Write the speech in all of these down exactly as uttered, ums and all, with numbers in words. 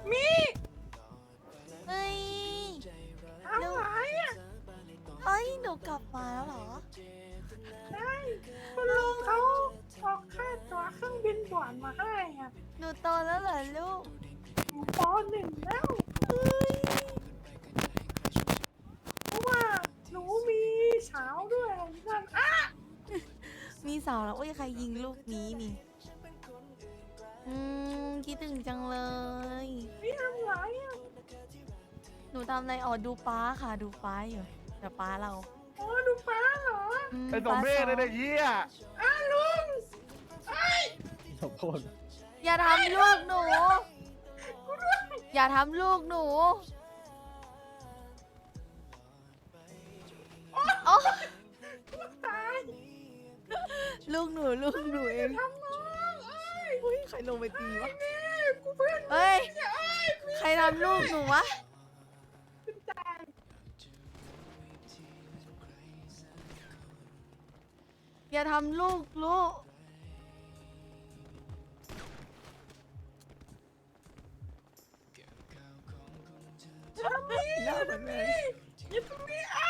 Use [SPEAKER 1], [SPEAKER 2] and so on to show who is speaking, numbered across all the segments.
[SPEAKER 1] มี
[SPEAKER 2] เฮ้ย
[SPEAKER 1] อะไรอ่ะ
[SPEAKER 2] เฮ้ยหนูกลับมาแล้วเหรอ
[SPEAKER 1] ได้คุณลุงเขาออกค่าตั๋วเครื่องบินด่วนมาให้อ่ะ
[SPEAKER 2] หนูโตแล้วเหรอลูก
[SPEAKER 1] อยู่ปหนึ่งแล้ว
[SPEAKER 2] เฮ้ย
[SPEAKER 1] เพราะว่าหนูมีสาวด้วยนั่นอ่ะ
[SPEAKER 2] มีสาวแล้วโอ้ยใครยิงลูกนี้นี่ อืมคิดถึงจังเลย
[SPEAKER 1] นี่ทำไรอ่ะ
[SPEAKER 2] หนูทำอะไรอ๋อดูป้าค่ะดูป้าอยู่เดี๋ยวป้าเรา
[SPEAKER 1] อ๋อดูป้าเหรอ
[SPEAKER 2] อืม
[SPEAKER 3] ไอ้สมเพศ
[SPEAKER 2] ป้า
[SPEAKER 3] เลยนะเฮีย
[SPEAKER 1] อ้าลุงไอ้ย
[SPEAKER 3] สมโพธ
[SPEAKER 2] อย่าทำลูกหนู อย่าทำลูกหนูโอ้
[SPEAKER 1] ตาย
[SPEAKER 2] ลูกหนูลูกหนูเอง
[SPEAKER 1] ทำน้องเอ้ย
[SPEAKER 2] เฮ้ยใครลงไปตีวะ
[SPEAKER 1] นี่กูเพื่อน
[SPEAKER 2] เฮ้ย
[SPEAKER 1] เนี่ยเอ้ยกู
[SPEAKER 2] ใครทำลูกหนูวะ
[SPEAKER 1] เป็นตาย
[SPEAKER 2] อย่าทำลูกลูก
[SPEAKER 1] ทำนี่
[SPEAKER 2] หน้าเหมือนแม่
[SPEAKER 1] อย่าทำนี่อ่ะ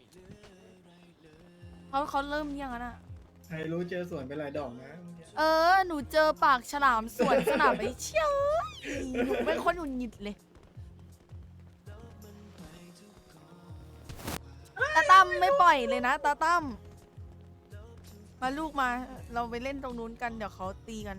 [SPEAKER 2] เขาเขาเริ่มยังอะน่ะ
[SPEAKER 4] ใครรู้เจอสวนไปหลายดอกนะ
[SPEAKER 2] เออ หนูเจอปากฉลามสวนสนามไปเชี่ยวหนูเป็นคนหงุดหงิดเลยตาตั้มไม่ปล่อยเลยนะตาตั้มมาลูกมา เราไปเล่นตรงนู้นกันเดี๋ยวเขาตีกัน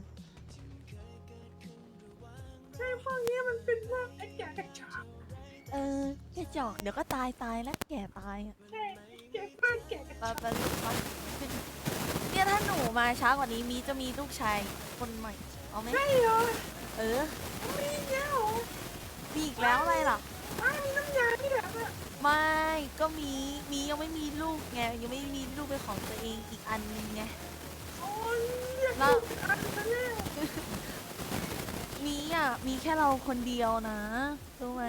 [SPEAKER 1] ใช่พวกนี้มันเป็นพวกไอ้แก่กระจอก
[SPEAKER 2] เออแกจอกเดี๋ยวก็ตายตายแล้วแก่ตายอ่ะ
[SPEAKER 1] ใช่แก่เพื่อนแก่กระจ
[SPEAKER 2] ไป
[SPEAKER 1] อก
[SPEAKER 2] ไปลูกไปขึ้นเนี่ยถ้าหนูมาช้ากว่านี้มีจะมีลูกชายคนใหม่ เอาไหม
[SPEAKER 1] ใช่เหรอ
[SPEAKER 2] เออ
[SPEAKER 1] มีเงี้ยเหรอ
[SPEAKER 2] มีอีกแล้วอะไรล่ะ
[SPEAKER 1] อ้าวมีน้ำยาที่แบบอ่ะ
[SPEAKER 2] ไม่ก็มีมียังไม่มีลูกไงยังไม่มีลูกเป็นของตัวเองอีกอันนึงไง
[SPEAKER 1] โอ้ยเรียก
[SPEAKER 2] แล้ว
[SPEAKER 1] ลูกอันนั้นแน่
[SPEAKER 2] มีอ่ะมีแค่เราคนเดียวนะรู้ไหม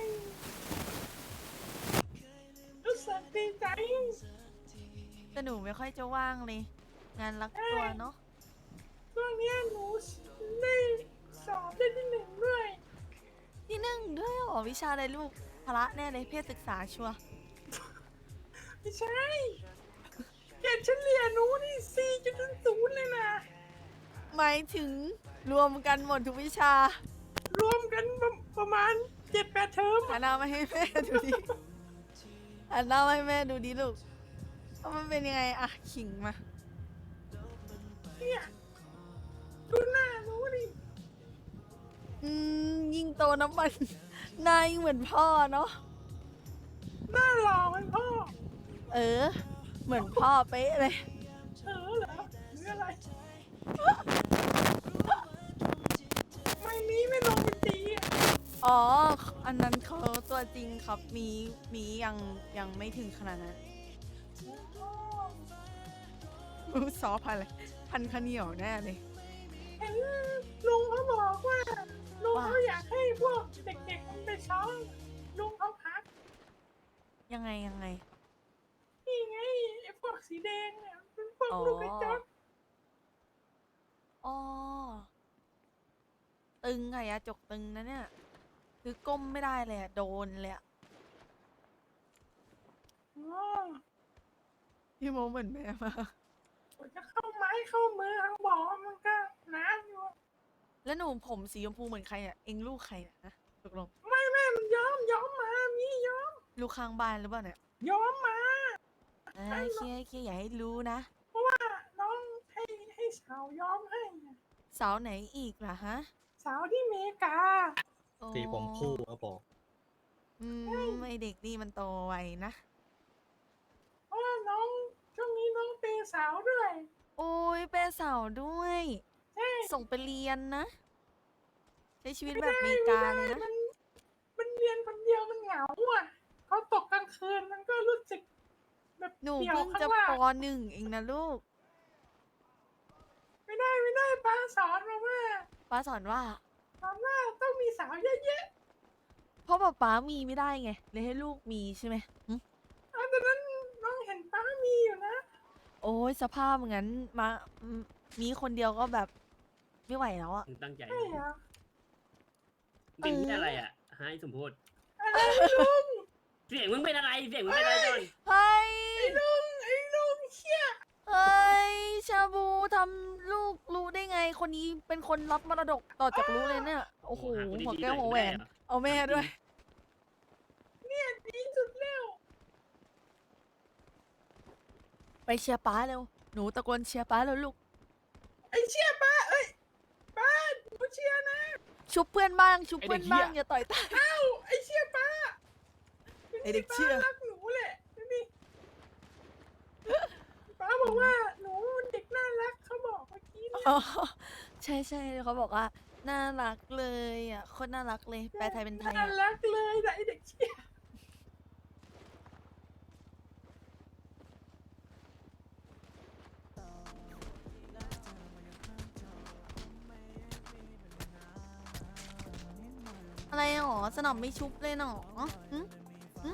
[SPEAKER 1] รู้สึกดีใจ
[SPEAKER 2] แต่หนูไม่ค่อยจะว่างเลย งานรักตัวเนาะ
[SPEAKER 1] ช่วงเนี้ยหนูได้สอบได้ที่หนึ่งด้วย
[SPEAKER 2] ที่หนึ่งด้วยเหรอวิชาอะไรลูกพละแน่เลยเพศศึกษาชัวร์
[SPEAKER 1] ไม่ใช่เกรดเฉลี่ยหนูนี่สี่จุดศูนย์เลยนะ
[SPEAKER 2] หมายถึงรวมกันหมดทุกวิชาร
[SPEAKER 1] วมกันประประมาณเจ็ดแปดเทอม
[SPEAKER 2] หันหน้ามาให้แม่ดูดิหันหน้ามาให้แม่ดูดิลูกว่ามันเป็นยังไงอะขิงมา
[SPEAKER 1] เนี่ยดูหน้าหนูดิ
[SPEAKER 2] อืมยิ่งโตน้ำมัน นายเหมือนพ่อเนาะ
[SPEAKER 1] หน้าหล่อเหมันพ่อ
[SPEAKER 2] เออ เหมือนพ่อเป๊ะเลย
[SPEAKER 1] เออเหรอหรืออะไรไม่มีไม่ลงไปตีอ่ะ
[SPEAKER 2] อ๋อ อันนั้นเขาตัวจริงครับ มีมียังยังไม่ถึงขนาดนั้นรู้ซอพันอะไรพันข้าวเหนียวแน่เลย
[SPEAKER 1] เห็นลุงเขาบอกว่าลุง
[SPEAKER 2] ว่า
[SPEAKER 1] เขาอยากให้พวกเด็กๆมันไปซ้อมลุงเขาพัก
[SPEAKER 2] ยังไงยังไง
[SPEAKER 1] นี่ไงไอ้พวกสีแดงเนี่ยเป็นพวก
[SPEAKER 2] อ๋อ
[SPEAKER 1] ลูกกระจอก
[SPEAKER 2] อ๋อ ตึงไงอะจกตึงนะเนี่ย คือก้มไม่ได้เลยอะโดนเลยอะ
[SPEAKER 1] อ๋อ
[SPEAKER 2] พี่โมเหมือนแม่มาก
[SPEAKER 1] กว่าจะเข้าไม้เข้ามือทางบอกมันก็นานอยู่
[SPEAKER 2] แล้วหนูผมสีชมพูเหมือนใครอะเอ็งลูกใครอะนะตกลง
[SPEAKER 1] ไม่แม่มันย้อมย้อมมามีย้อม
[SPEAKER 2] ลูกข้างบ้านหรือเปล่าเนี่ย
[SPEAKER 1] ย้อมมา
[SPEAKER 2] อ่าเคลียร์เคลียร์อย่าให้รู้นะ
[SPEAKER 1] เพราะว่าน้องให้ให้สาวย้อมให้น่ะ
[SPEAKER 2] สาวไหนอีกล่ะฮะ
[SPEAKER 1] สาวที่อเมริกา
[SPEAKER 2] โอ้
[SPEAKER 3] สีผมคู่ครับผม
[SPEAKER 2] อืมไอเด็กนี่มันโตไวนะ
[SPEAKER 1] เพราะว่าน้องช่วงนี้น้องเปย์สาวด้วย
[SPEAKER 2] โอ้ยเป็นสาวด้วย
[SPEAKER 1] ใช่
[SPEAKER 2] ส่งไปเรียนนะ ใช้ชีวิตแบบอเมริกาเลยนะ
[SPEAKER 1] มันมันเรียนคนเดียวมันเหงาอ่ะเขาตกกลางคืนมันก็รู้สึกแบบ
[SPEAKER 2] หนู
[SPEAKER 1] เดี่ยว
[SPEAKER 2] เพิ่ง
[SPEAKER 1] ข้า
[SPEAKER 2] จะ
[SPEAKER 1] งล่าง
[SPEAKER 2] ปหนึ่งเองนะลูก
[SPEAKER 1] ไม่ได้ไม่ได้ป้าสอนมาว่า
[SPEAKER 2] ป้าสอนว่า
[SPEAKER 1] สอนว่าต้องมีสาวเยอะ
[SPEAKER 2] เพราะป๊าป๊ามีไม่ได้ไง เลยให้ลูกมีใช่ไหมหึ
[SPEAKER 1] ๆอันนั้นน้องเห็นป้ามีอยู่นะ
[SPEAKER 2] โอ้ยสภาพงั้นมาอืมมีคนเดียวก็แบบไม่ไหวแล้วอะ
[SPEAKER 5] ตั้งใจ
[SPEAKER 1] ใช่เหรอ
[SPEAKER 5] เป็นที่อะไรอ่ะฮะไอ้สมโพธ
[SPEAKER 1] อะไรลุง
[SPEAKER 5] เสียงมึงเป็นอะไรเสียงมึงเป็นอะไรจอน
[SPEAKER 2] เฮ้ย
[SPEAKER 1] ไอ้ลุงไอ้ลุงเชี่ย
[SPEAKER 2] เฮ้ย ชาบูทำลูกรู้ได้ไง คนนี้เป็นคนรับมรดกต่อจากรู้เลยเนี่ย โอ้โห
[SPEAKER 5] หาคนดีๆ
[SPEAKER 2] หัวแก้ว
[SPEAKER 5] หน่
[SPEAKER 2] หั
[SPEAKER 5] อ
[SPEAKER 2] วย แหว
[SPEAKER 5] ไม่ได้
[SPEAKER 2] น
[SPEAKER 5] เหรอ
[SPEAKER 2] เอาแม่ด้วย
[SPEAKER 1] เนี่ยดีสุดแล้ว
[SPEAKER 2] ไปเชียร์ป้าเร็ว หนูตะโกนเชียร์ป้าแล้วลูก
[SPEAKER 1] ไอ้เชี่ยป้าเอ้ยป้าหนูเชียร์นะ
[SPEAKER 2] ชุบเพื่อนบ้าง ชุบเพื่อนบ้าง อย่าต่อยตา
[SPEAKER 1] เอ้าไอ้เชี่ยป้า
[SPEAKER 2] ไอ้เด็กเชี่ย
[SPEAKER 1] ป้ารักหนูแหละนี่ป้าบอกว่าหนูเด็กน่ารักเขาบอกเมื่อกี้เนี่ย
[SPEAKER 2] อ๋อใช่ใช่เขาบอกว่า น่ารักเลยอ่ะโคนน่ารักเลย แปลไทยเป็นไทย
[SPEAKER 1] น่า
[SPEAKER 2] อะ
[SPEAKER 1] รักเลยนะไอเด็กเชี่ย
[SPEAKER 2] อะไรหรอ สนับไม่ชุบเลยหนอหึหึ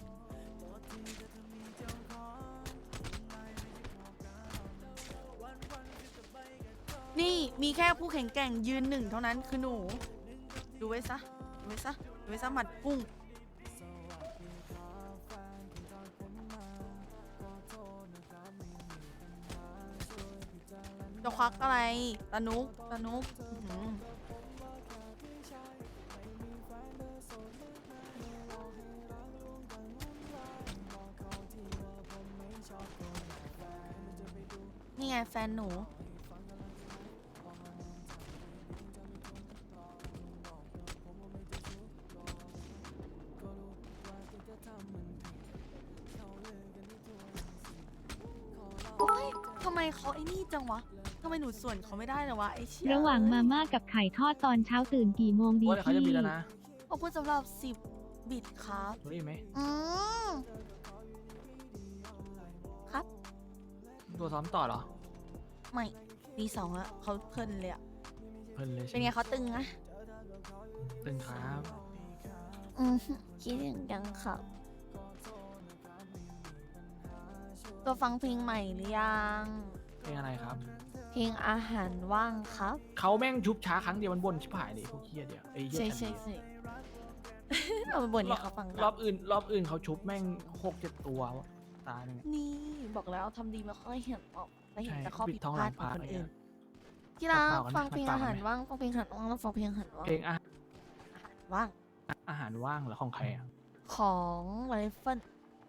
[SPEAKER 2] นี่มีแค่ผู้แข่งแกร่งยืนหนึ่งเท่านั้นคือหนู ดูไว้ซะ ดูไว้ซะ ดูไว้ซะหมัดกุ้ง จะควักอะไรตานุกตานุกอื้อหือนี่ไงแฟนหนู โอ๊ยทำไมเขาไอ้นี่จังวะ ทำไมหนูส่วนเขาไม่ได้เลยวะไอ้เชี่ย
[SPEAKER 6] ระหว่างมาม่ากับไข่ทอดตอนเช้าตื่นกี่โมงดี
[SPEAKER 7] ว่าเดี๋ยวเขาจะมี
[SPEAKER 6] พี่
[SPEAKER 7] แล้วนะ
[SPEAKER 2] ขอบคุณสำหรับสิบบิตครับ
[SPEAKER 7] รู้อีกไหม
[SPEAKER 2] อืมครับ
[SPEAKER 7] ตัวซ้อมต่อเหรอ
[SPEAKER 2] ไม่ปีสองอะเขาเพลินเลยอะ
[SPEAKER 7] เพลินเลย
[SPEAKER 2] เป็
[SPEAKER 7] ใช่
[SPEAKER 2] น
[SPEAKER 7] ไหม
[SPEAKER 2] ไงเขาตึงอะ
[SPEAKER 7] ตึงครับ
[SPEAKER 2] อืมคิดถึงยังครับตัวฟังเพลงใหม่หรือยัง
[SPEAKER 7] เพลงอะไรครับ
[SPEAKER 2] เพลงอาหารว่างครับ
[SPEAKER 7] เขาแม่งชุบช้าครั้งเดียวมันบ่นชิบหายเลยพวกเฮียเดียวไอ้เฮีย
[SPEAKER 2] ใช่
[SPEAKER 7] แคน
[SPEAKER 2] ใช่
[SPEAKER 7] ดี้
[SPEAKER 2] ใช่ เราไปบ่นให้เขาฟัง
[SPEAKER 7] ร
[SPEAKER 2] กั
[SPEAKER 7] อน บอื่น รอบอื่นเขาชุบแม่งหกเจ็ดตัวตาหนึ่ง
[SPEAKER 2] นี่บอกแล้วทำดีไม่ค่อยเห็นออกไม่เห็น
[SPEAKER 7] ใช่
[SPEAKER 2] แต่ข้อ
[SPEAKER 7] ปิ
[SPEAKER 2] ผิ
[SPEAKER 7] ด
[SPEAKER 2] ด
[SPEAKER 7] ท้อง
[SPEAKER 2] พ
[SPEAKER 7] หลั
[SPEAKER 2] ลาด
[SPEAKER 7] ง
[SPEAKER 2] ของ
[SPEAKER 7] พระ
[SPEAKER 2] คน
[SPEAKER 7] อะไร
[SPEAKER 2] อื่น
[SPEAKER 7] เงี้ย
[SPEAKER 2] ที่รัก
[SPEAKER 7] เปล่ากันนะ
[SPEAKER 2] ฟังเพลง
[SPEAKER 7] เปล่า
[SPEAKER 2] อา
[SPEAKER 7] กัน
[SPEAKER 2] หาร
[SPEAKER 7] นะ
[SPEAKER 2] ว่างฟังเพลงอาหารว่างแล้วฟังเพลงอาหารว่าง
[SPEAKER 7] เพลงอา
[SPEAKER 2] อาหารว่าง
[SPEAKER 7] อาหารว่างเหรอของใครอ่ะ
[SPEAKER 2] ของไรเฟิล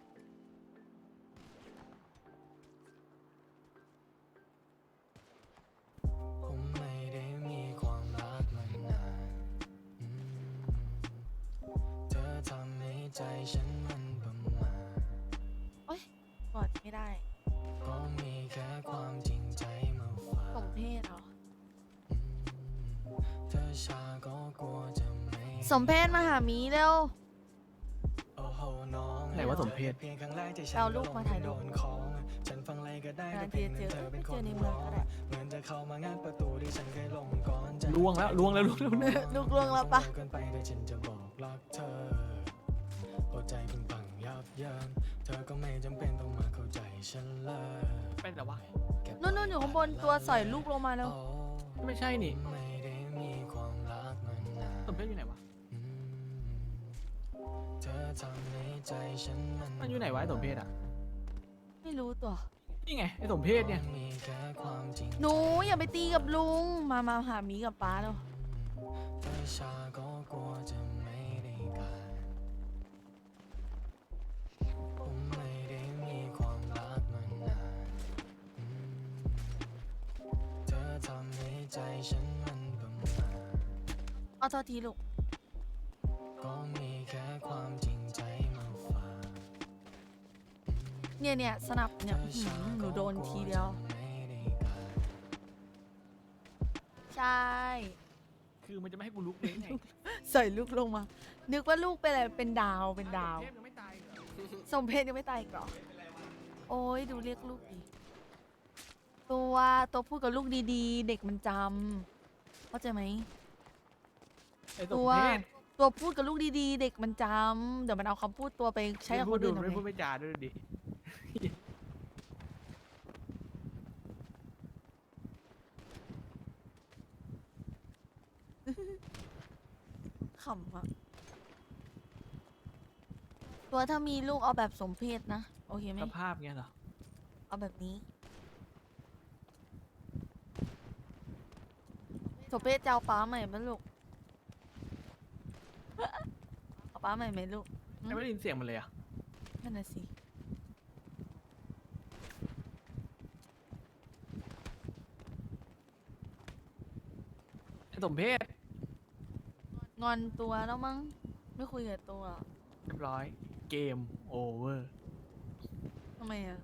[SPEAKER 8] ผมไม่ได้มีความรักมานานอืมเธอทำให้ใจฉันมันประมาท
[SPEAKER 2] กอดไม่ได้
[SPEAKER 8] ก็มีแค่ความจริงใจมาฝาก
[SPEAKER 2] สมเพศเหรอ
[SPEAKER 8] อืมเธอชาก็กลัวจะไม่
[SPEAKER 2] สมเพศมาหามีเร็ว
[SPEAKER 8] โอ้โหน้อง
[SPEAKER 7] ไหนว่าสมเพศ
[SPEAKER 8] เพียงครั้งแรกที่ฉัน
[SPEAKER 2] เอาลูกมาถ่ายรูป
[SPEAKER 8] โดนของฉันฟังอะไรก็ได้
[SPEAKER 2] นาน
[SPEAKER 8] แต่เพียง
[SPEAKER 2] ที
[SPEAKER 8] นั้น
[SPEAKER 2] จะ
[SPEAKER 8] เธ
[SPEAKER 2] เจอ
[SPEAKER 8] อเป็นค
[SPEAKER 2] เจ
[SPEAKER 8] น
[SPEAKER 2] อในเมือง
[SPEAKER 8] ร้อง
[SPEAKER 2] ก็ได้
[SPEAKER 8] เหมือนจะเข้ามางัดประตูที่ฉันเคยลงก่อนจะ
[SPEAKER 7] ล่วงแล้วล่วงแล้วล่วงแล้ว
[SPEAKER 2] ลูกล่วงแล้วปะ
[SPEAKER 8] เกินไปแต่ฉันจะบอกรักเธอหัวใจเพิ่งพังยับเยินเธอก็ไม่จำเป็นต้องมาเข้าใจฉันเลย
[SPEAKER 7] เป็นแต่ว่า
[SPEAKER 8] เก็บ
[SPEAKER 2] นู่นนู่นอยู่ข้างบนตัวสอยลูกลงมาแล้ว
[SPEAKER 8] โอ้
[SPEAKER 7] ไม่ใช่นี่
[SPEAKER 8] ไม่ได้มีความรักมานาน
[SPEAKER 7] สมเพชอยู่ไหนวะ
[SPEAKER 8] อืมเธอทำให้ใจฉันมัน
[SPEAKER 7] มันอยู่ไหนวะไอ้สมเพชอ่ะ
[SPEAKER 2] ไม่รู้ตัว
[SPEAKER 7] นี่ไงไอ้สมเพชเนี่ย
[SPEAKER 8] มีแค่ความจริง
[SPEAKER 2] หนูอย่าไปตีกับลุง มามาหามีกับป้าแล้ว
[SPEAKER 8] เธอชาก็กลัวจะไม่ได้การผมไม่ได้มีความรักมานานอืมเธอทำให้ใจฉันมันประมาท
[SPEAKER 2] เอาโทษทีลูก
[SPEAKER 8] ก็มีแค่ความจริงใจมาฝาก
[SPEAKER 2] เนี่ยเนี่ยสนับเนี่ยอื้อหือหนูโดนทีเดียว ใช่
[SPEAKER 7] คือมันจะไม่ให้กูลุกเลยไง
[SPEAKER 2] ใส่ลูกลงมา นึกว่าลูกเป็นอะไร เป็นดาว เป็นดาว
[SPEAKER 7] สมเพชยังไม่ตายเหรอ
[SPEAKER 2] สมเพศยังไม่ตายอีกเหรอ โอ้ยดูเรียกลูกดิตัวตัวพูดกับลูกดีๆ เด็กมันจำเข้าใจไหม
[SPEAKER 7] ไอ้ส
[SPEAKER 2] ตั
[SPEAKER 7] ม
[SPEAKER 2] ว
[SPEAKER 7] เพช
[SPEAKER 2] ตัวพูดกับลูกดีๆ เด็กมันจำเดี๋ยวมันเอาคำพูดตัวไปใช้กับคนอื่นทำ
[SPEAKER 7] ไม่พูด
[SPEAKER 2] ไม
[SPEAKER 7] ไม่จาด้วยดิ
[SPEAKER 2] ขขำอะตัวถ้ามีลูกเอาแบบสมเพศนะ โอเคไหม
[SPEAKER 7] สภาพเงี้ยเหรอ
[SPEAKER 2] เอาแบบนี้ สมเพศจะเอาป้าใหม่ไหมลูก เอาป้าใหม่ไหมลูก
[SPEAKER 7] ไม่ได้ยินเสียงมันเลยอ่ะ
[SPEAKER 2] นั่นน่ะสิ
[SPEAKER 7] ไอ้สมเพศ
[SPEAKER 2] งอนตัวแล้วมั้ง ไม่คุยกับตัว
[SPEAKER 7] เรียบร้อย เกมโอเวอร์
[SPEAKER 2] ทำไมอะ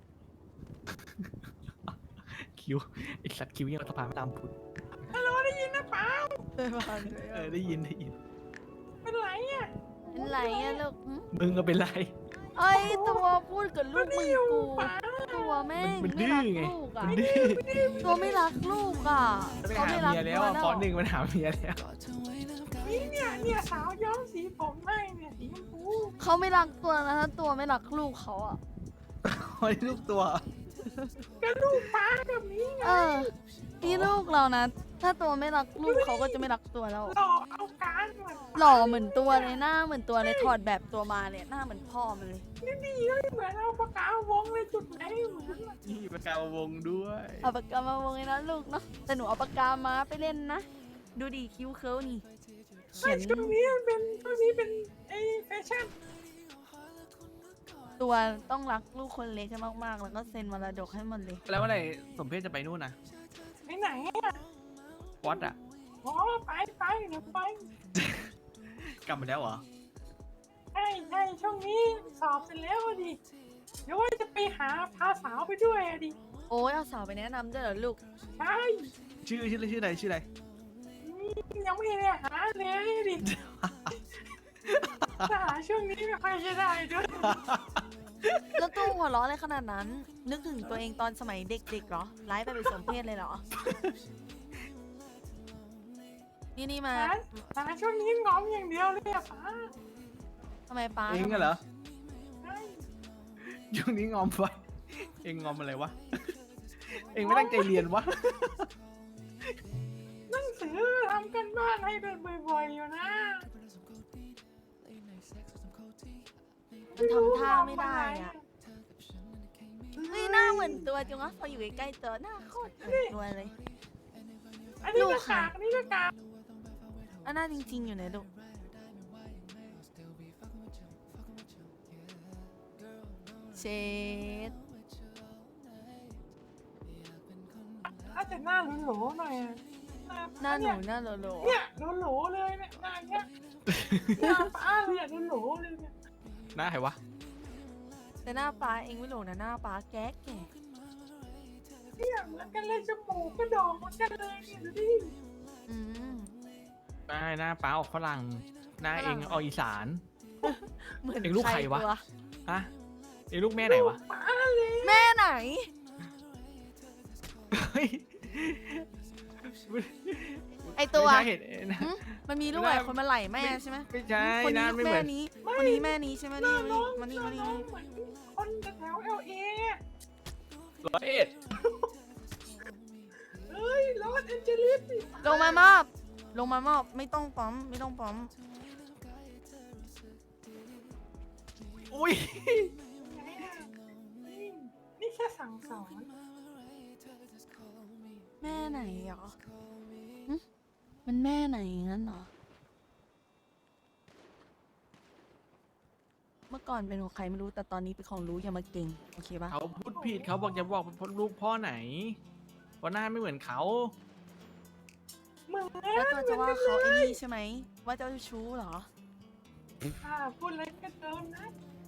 [SPEAKER 7] คิวไอสัตว์คิวยังสะพานไม่ตามพุด
[SPEAKER 1] ฮัลโหลได้ยินนะเปล่า
[SPEAKER 2] เดินมาเลย
[SPEAKER 7] เออได้ยินได้ยิน
[SPEAKER 1] เป็นไรอ่ะ
[SPEAKER 2] เป็นไรอะลูกหึ
[SPEAKER 7] มึงก็เป็นไร
[SPEAKER 2] เอ้ยตัวพูดกับลูกมึงกู
[SPEAKER 1] ป้า
[SPEAKER 2] ตัวแม่ง
[SPEAKER 7] มัน
[SPEAKER 2] ไม่
[SPEAKER 7] ดื้
[SPEAKER 2] รั
[SPEAKER 7] อก ไง
[SPEAKER 2] ลูกอะ
[SPEAKER 7] มันดื้อ
[SPEAKER 2] ตัวไม่รักลูกอ่ะ
[SPEAKER 7] ไป
[SPEAKER 2] เขา
[SPEAKER 7] หา
[SPEAKER 2] ไม่รัก
[SPEAKER 7] เมียแล้ว
[SPEAKER 2] ตัว
[SPEAKER 7] อ่ะ
[SPEAKER 2] แล้ว
[SPEAKER 7] ฟอนหนึ่งมันหาเมียแล้ว
[SPEAKER 1] นี่เนี่ยเนี่ยสาวย้อมสีผมให้เนี่ยสีชมพู
[SPEAKER 2] เขาไม่รักตัวนะถ้าตัวไม่รักลูกเขาอ่ะ
[SPEAKER 7] โอ้ยลูกตัว
[SPEAKER 1] ก็ลูกป้าแบบนี้ไง
[SPEAKER 2] เออนี่ลูกเรานะ ถ้าตัวไม่รักลูกเขาก็จะไม่รักตัวแล้ว
[SPEAKER 1] หล่อเอาการเหมือน
[SPEAKER 2] หล่อเหมือนตัวเลยหน้าเหมือนตัวเลยถอดแบบตัวมาเลยหน้าเหมือนพ่อมันเลย
[SPEAKER 1] นี่ดีเลยเหมือนเอาปากกาวงเลยจุดไหนเหมือนอะ
[SPEAKER 7] นี่ประกาวงด้วย
[SPEAKER 2] เอาปากกามาวงเลยนะลูกเนาะแต่หนูเอาปากกามาไปเล่นนะ ดูดิคิ้วเคิ้วนี่เขียน
[SPEAKER 1] ช่วงนี้มันเป็นช่วงนี้เป็นไอ้แฟชั่น
[SPEAKER 2] ตัวต้องรักลูกคนเล็กให้มากๆ แล้วก็เซ็นมรดกให้หมดเลย
[SPEAKER 7] แล้วเมื่อไหร่สมเพศจะไปนู่นนะ
[SPEAKER 1] ไปไหนอ่ะ
[SPEAKER 7] วัดอ่ะ
[SPEAKER 1] อ๋อไปไปเดี๋ยวไป
[SPEAKER 7] กลับมาแล้วเหรอ
[SPEAKER 1] ใช่ใช่ช่วงนี้สอบเสร็จแล้วอะดิเดี๋ยวว่าจะไปหาพาสาวไปด้วยอะดิ
[SPEAKER 2] โอ้ยเอาสาวไปแนะนำด้วยเหรอลูก
[SPEAKER 1] ใช่
[SPEAKER 7] ชื่อชื่อชื่ออะไรชื่ออะไร
[SPEAKER 1] ยังไม่ได้หาเลยดิถ้าหาช่วงนี้ไม่ค่อยจะได้ด้วย
[SPEAKER 2] แล้วตัวหัวเราะอะไรขนาดนั้น นึกถึงตัวเองตอนสมัยเด็กๆเหรอไลฟ์ไปเป็นสมเพศเลยเหรอ นี่นี่มา
[SPEAKER 1] หาหาช่วงนี้งอมอย่างเดียวเลยอะป้า
[SPEAKER 2] ทำไมป้า
[SPEAKER 7] เองอะเหรอ
[SPEAKER 1] ใช่
[SPEAKER 7] ช่วงนี้งอมไปเองงอมอะไรวะ เองไม่ตั้งใจเรียนวะ
[SPEAKER 1] หนังสือทำกันบ้านให้เป็นบ่อยๆอยู่นะ
[SPEAKER 2] มันทำท่าไม่ได้อ่ะเฮ้ยหน้าเหมือนตัวจังวะพออยู่ใกล้ๆตัวหน้าโคตรเหมือนตัวเลย
[SPEAKER 1] อันนี้
[SPEAKER 2] ลู
[SPEAKER 1] ก็
[SPEAKER 2] กค่ะ
[SPEAKER 1] กากอันนี้ก็กาก
[SPEAKER 2] อันหน้าจริงๆอยู่ไหนลูก เชด
[SPEAKER 1] ถ้าจะหน้าโหลๆหน่อยอะ
[SPEAKER 2] หน้าหนูหน้าโลโล
[SPEAKER 1] เนี่ยโหลๆเลยเนี่ยหน้าเนี้ยหน้าป้าเลยอะโหลๆเลยเนี่ย
[SPEAKER 7] หน้าใครวะ
[SPEAKER 2] แต่หน้าป้าเองไม่หลงนะหน้าป้าแก๊กแก่
[SPEAKER 1] เนี่ยเหมือนกันเลยจมูกกระดองเหมือนกันเลยเนี่ยดูดิ
[SPEAKER 2] อืม
[SPEAKER 7] หน้าหน้าป้าออกฝรั่ง หน้าเองออกอีสาน
[SPEAKER 2] เหมือน
[SPEAKER 7] เองลูกใครวะ
[SPEAKER 2] ตัว
[SPEAKER 7] ฮะ เองลูกแม่ไหนวะ
[SPEAKER 1] ป้าเลย
[SPEAKER 2] แม่ไหน
[SPEAKER 7] เฮ้ย
[SPEAKER 2] ไอตัว
[SPEAKER 7] ไม่ใช่เห็นนะ
[SPEAKER 2] หึมันมีลูกหลายคนมาไหลแม่ใช่ไหม
[SPEAKER 7] ไม่ใช่
[SPEAKER 2] คน
[SPEAKER 7] ห
[SPEAKER 2] นี้
[SPEAKER 7] น้า
[SPEAKER 2] ลูก
[SPEAKER 7] ไม่เห
[SPEAKER 2] แม่
[SPEAKER 7] มือน
[SPEAKER 2] นี้ คนนี้แม่นี้ใช่ไหม
[SPEAKER 1] หน้า
[SPEAKER 2] นี่
[SPEAKER 1] น้อง
[SPEAKER 2] มานี่
[SPEAKER 1] ห
[SPEAKER 2] มา
[SPEAKER 1] น้า
[SPEAKER 2] นี่
[SPEAKER 1] น้องเหมือนคนแถวเอลเอ
[SPEAKER 7] ร้อยเอ็ด
[SPEAKER 1] เฮ้ยลอสแอนเจลิสสิ
[SPEAKER 2] ลงมามอบ ลงมามอบ ไม่ต้องปั๊มไม่ต้องปั๊ม
[SPEAKER 7] อุ้ย
[SPEAKER 1] ไงอะนี่นี่แค่สั่งสอน
[SPEAKER 2] แม่ไหนเหรอหึมันแม่ไหนงั้นเหรอ เมื่อก่อนเป็นของใครไม่รู้แต่ตอนนี้เป็นของรู้อย่ามาเก่งโอเคปะ
[SPEAKER 7] เขาพูดผิดเขาบอกจะบอกเป็นลูกพ่อไหนเพราะหน้าไม่เหมือนเขา
[SPEAKER 1] เหมือน
[SPEAKER 2] แล้วตัวจะว่าเขาไอ้นี่ใช่ไหมว่าเจ้าชู้เหรอ
[SPEAKER 1] ค่ะพูดอะไรก็โดนนะ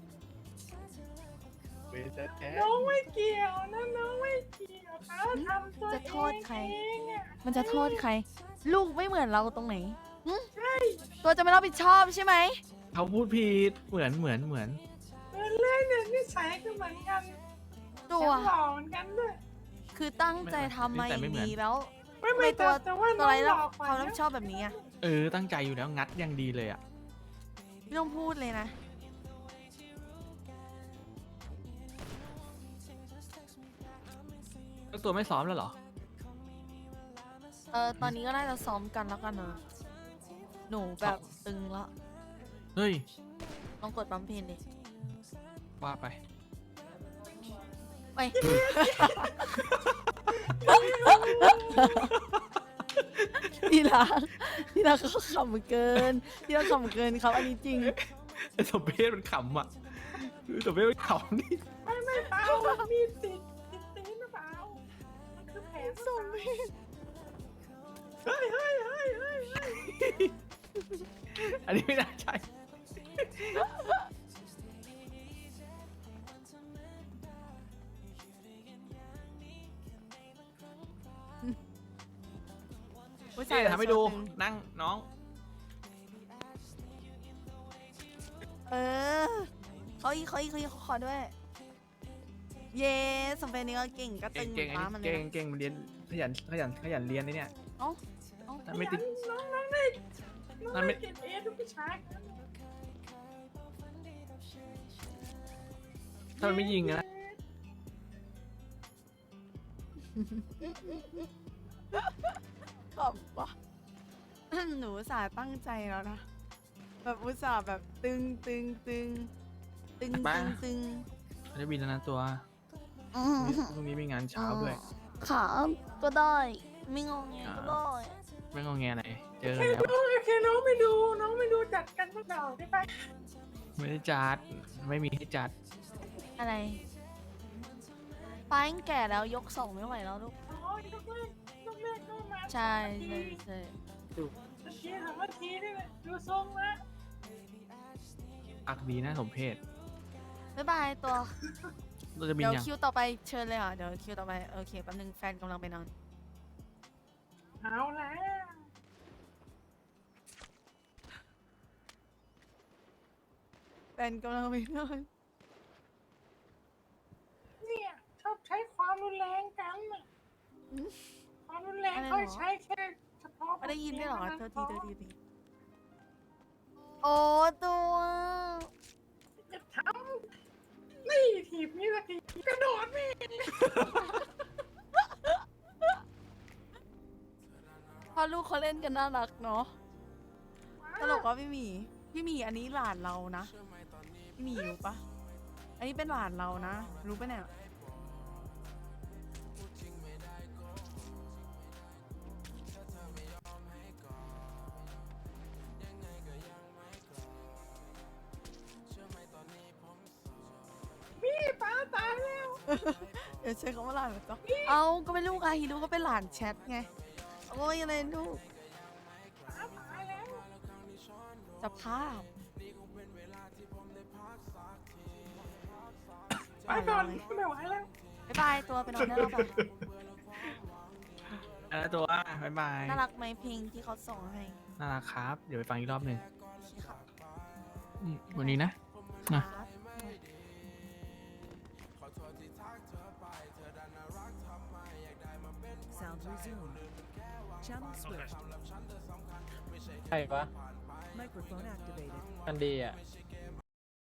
[SPEAKER 3] เวทแท้
[SPEAKER 1] น้องไม่เกี่ยวนะน้องไม่เกี่ยวค่ะทำตัว
[SPEAKER 2] จะโทษใคร
[SPEAKER 1] เองอะ
[SPEAKER 2] มันจะโทษใคร ลูกไม่เหมือนเราตรงไหนหึ
[SPEAKER 1] ใช่
[SPEAKER 2] ตัวจะไม่รับผิดชอบใช่ไหม
[SPEAKER 7] เขาพูดผิดเหมือนเหมือนเหมือน
[SPEAKER 1] เหมือนเลยเนี่ยนิสัยก็เหมือนกัน
[SPEAKER 2] ตัว
[SPEAKER 1] หล่อเหมือนกันด้วย
[SPEAKER 2] คือตั้งใจทำมาอย่างดีแล้ว
[SPEAKER 1] ไม่ไม่
[SPEAKER 2] ไม่ตั
[SPEAKER 1] แต่
[SPEAKER 2] ว
[SPEAKER 1] แต่ว่า
[SPEAKER 2] ตัว
[SPEAKER 1] น้อ
[SPEAKER 2] อะไร
[SPEAKER 1] งห
[SPEAKER 2] แล้
[SPEAKER 1] ล่
[SPEAKER 2] ว
[SPEAKER 1] อกว่า
[SPEAKER 2] ความรับ
[SPEAKER 1] นะ
[SPEAKER 2] ผิดชอบแบบนี้อะ
[SPEAKER 7] เออตั้งใจอยู่แล้วงัดอย่างดีเลยอ่ะ
[SPEAKER 2] ไม่ต้องพูดเลยนะ
[SPEAKER 7] แล้วตัวไม่ซ้อมแล้วเหรอ
[SPEAKER 2] เออตอนนี้ก็น่าจะซ้อมกันแล้วกันนะหนูแบบตึงละ
[SPEAKER 7] เฮ้ย
[SPEAKER 2] ลองกดปั๊มเพนดิ
[SPEAKER 7] ว่าไป
[SPEAKER 2] ไป ที่รักที่รักเขาขำเกินที่รักขำเกินครับอันนี้จริง
[SPEAKER 7] ไอ้สมเพศมันขำอ่ะคือสมเพศมันขำนี่
[SPEAKER 1] ไม่ไม่เปล่ามีติดติดตีนหรือเปล่ามันคือแผลหรือเปล่า เฮ้ยเฮ้ยเฮ้ยเฮ้ยเฮ้ย
[SPEAKER 7] อันนี้ไม่น่าใช่
[SPEAKER 2] ผู้
[SPEAKER 7] ใช่ทำให้ดู
[SPEAKER 2] ตึง
[SPEAKER 7] นั่งน้อง
[SPEAKER 2] เออเขาอีกเขาอีกเขาอีกเขาขอด้วย เย้สมเป็นนี้ก็เก่งก็ตึ
[SPEAKER 7] เก่ง
[SPEAKER 2] ง
[SPEAKER 7] เก่งอัน
[SPEAKER 2] ฟ้า
[SPEAKER 7] นี้
[SPEAKER 2] มันเล
[SPEAKER 7] เก่
[SPEAKER 2] ย
[SPEAKER 7] งเก่งมันเรียนขยันขยันขยันเรียนนะเนี่ย
[SPEAKER 2] เอ้าเอ้า
[SPEAKER 7] ถ้าไม่ติด
[SPEAKER 1] น้องน้องได้น้อง
[SPEAKER 7] นั่นไม่
[SPEAKER 1] ได้เก็บเอทุกวิชา
[SPEAKER 7] ถ้ามันไม่ยิงอะนะ
[SPEAKER 2] ขำปะ หนูอุตส่าห์ตั้งใจแล้วนะ แบบอุตส่าห์แบบตึงตึงตึงตึงตึงตึง
[SPEAKER 7] มันจะบินแล้วนะตัว
[SPEAKER 2] อืม
[SPEAKER 7] พรุ่งนี้มีงานเช้าด้วย
[SPEAKER 2] ขาก็ได้ ไม่งงเงก็ได้
[SPEAKER 7] ไม่งอแงไหนเจอ
[SPEAKER 1] โอเค
[SPEAKER 7] แล้ว
[SPEAKER 1] น้องโอเคน้องไม่ดูน้องไม่ดูจัดกันสักดอกได้ปะ
[SPEAKER 7] ไม่ได้จัด ไม่มีให้จัด
[SPEAKER 2] อะไรป้ายังแก่แล้วยกสองไม่ไหวแล้วลูก
[SPEAKER 1] อ๋อยกเลิกยกเลิกก็มา
[SPEAKER 2] ใช่ใช่ใช่
[SPEAKER 1] เมื่อกี้ถามว่าทีนี่แหละดูทรงแล้ว
[SPEAKER 7] อักดีนะสมเพศ
[SPEAKER 2] บ๊ายบายตัว
[SPEAKER 7] เราจะบิน
[SPEAKER 2] เดี๋ยว
[SPEAKER 7] ยัง
[SPEAKER 2] คิวต่อไปเชิญเลยค่ะ เดี๋ยวคิวต่อไปโอเคแป๊บนึงแฟนกำลังไปนอน
[SPEAKER 1] เอาแล้ว
[SPEAKER 2] แฟนกำลังไปนอน
[SPEAKER 1] เนี่ยชอบใช้ความรุนแรงกันน่ะ
[SPEAKER 2] อืม
[SPEAKER 1] ความรุนแรง
[SPEAKER 2] อะไรหรอ
[SPEAKER 1] เขาใช้แค่เฉพาะ
[SPEAKER 2] ไม่ได้ยินด้วยเหรอ
[SPEAKER 1] ท่า
[SPEAKER 2] เธอ
[SPEAKER 1] พ
[SPEAKER 2] ทีเธอทีเธอทีโอ้ตัว
[SPEAKER 1] จะทำนี่ถีบนี่สักทีกระโดดนี่
[SPEAKER 2] พอลูกเขาเล่นกันน่ารักเนาะตลกว่าพี่หมี พี่หมีอันนี้หลานเรานะ พี่หมีรู้ปะอันนี้เป็นหลานเรานะ รู้ปะเนี่ย
[SPEAKER 1] พี่ป้าตายแล้ว
[SPEAKER 2] เดี๋ยวใช้คำว่าหลานแบบต้องเอาก็เป็นลูกอาฮิรุก็เป็นหลานแชทไงโอ้ยอะไรลูก
[SPEAKER 1] ป้าตายแล้ว
[SPEAKER 2] จะภาพ
[SPEAKER 1] ไปก่อนไม่ไหวแล้ว
[SPEAKER 2] บ๊ายบายตัวไปนอนได้แล้วปะ
[SPEAKER 7] อันนั้นตัวบ๊ายบาย
[SPEAKER 2] น่ารักไหมเพลงที่เขาส่งให้
[SPEAKER 7] น่ารักครับ เดี๋ยวไปฟังอีกรอบหนึ่ง
[SPEAKER 2] โอเคครับ
[SPEAKER 7] อืมวันนี้นะ
[SPEAKER 2] ค
[SPEAKER 7] นะ
[SPEAKER 2] รับ
[SPEAKER 9] Sound resumed. Channel switched.
[SPEAKER 3] ใช่ปะ
[SPEAKER 9] Microphone activated.
[SPEAKER 3] มันดีอ่ะ